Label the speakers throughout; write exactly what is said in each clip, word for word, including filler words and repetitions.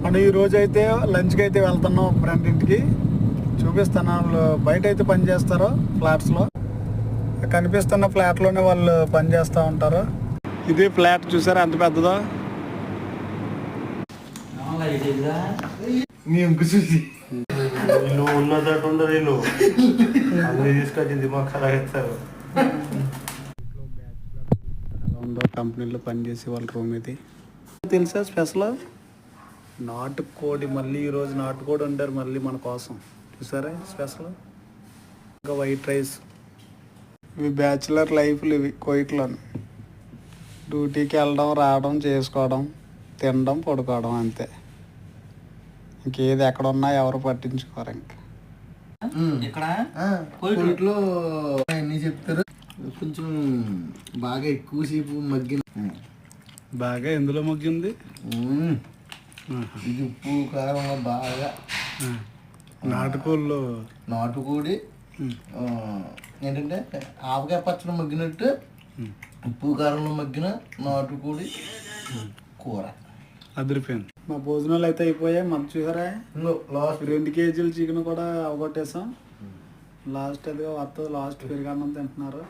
Speaker 1: మనం ఈరోజు అయితే లంచ్కి అయితే వెళ్తున్నాం ఫ్రెండ్ ఇంటికి. చూపిస్తాను వాళ్ళు బయట అయితే పని చేస్తారు ఫ్లాట్స్లో. కనిపిస్తున్న ఫ్లాట్లోనే వాళ్ళు పని చేస్తూ ఉంటారు. ఇది ఫ్లాట్ చూసారా ఎంత పెద్దదో.
Speaker 2: చూసి వీళ్ళు ఉన్నదట్టు ఉండదు, వీళ్ళు అన్ని తీసుకొచ్చి దిమాగ్ ఖరాబ్ చేస్తారు.
Speaker 1: ఎలా ఉందో కంపెనీలో పనిచేసే వాళ్ళ రూమ్ ఇది. తెలుసా స్పెషల్ నాటుకోడి. మళ్ళీ ఈరోజు నాటుకోడి వండారు మళ్ళీ మన కోసం. చూసారా స్పెషల్. ఇంకా వైట్ రైస్. ఇవి బ్యాచులర్ లైఫ్లు ఇవి కోయిట్లో. డ్యూటీకి వెళ్ళడం రావడం చేసుకోవడం తినడం పడుకోవడం అంతే. ఇంకేది ఎక్కడ ఉన్నా ఎవరు పట్టించుకోరు. ఇంకా
Speaker 3: ఇక్కడ కోయిట్లో అన్నీ చెప్తారు. కొంచెం బాగా ఎక్కువసేపు మగ్గిన
Speaker 1: బాగా ఎందులో మగ్గింది.
Speaker 3: ఇది ఉప్పు కారం బాగా
Speaker 1: నాటుకోళ్ళు
Speaker 3: నాటుకోడి ఏంటంటే ఆవకాయ పచ్చడి మగ్గినట్టు ఉప్పు కారంలో మగ్గిన నాటుకోడి కూర
Speaker 1: అదిరిపోయింది. మా భోజనాలు అయితే అయిపోయాయి. మనం చూసారా లాస్ట్ రెండు కేజీలు చికెన్ కూడా అవగొట్టేసాం. లాస్ట్ అదిగా వస్తుంది లాస్ట్ పెరుగన్నం తింటున్నారు.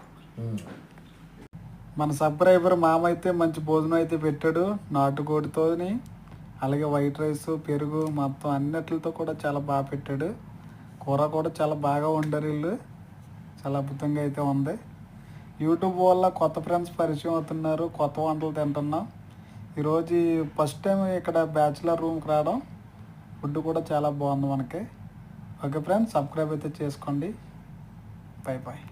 Speaker 1: మన సబ్స్క్రైబర్ మామ అయితే మంచి భోజనం అయితే పెట్టాడు నాటుకోడితోని. అలాగే వైట్ రైస్ పెరుగు మొత్తం అన్నిటితో కూడా చాలా బాగా పెట్టాడు. కూర కూడా చాలా బాగా వండారు వీళ్ళు. చాలా అద్భుతంగా అయితే ఉంది. యూట్యూబ్ వల్ల కొత్త ఫ్రెండ్స్ పరిచయం అవుతున్నారు. కొత్త వంటలు తింటున్నాం. ఈరోజు ఫస్ట్ టైం ఇక్కడ బ్యాచులర్ రూమ్కి రావడం. ఫుడ్ కూడా చాలా బాగుంది మనకి. ఓకే ఫ్రెండ్స్, సబ్స్క్రైబ్ అయితే చేసుకోండి. Bye bye.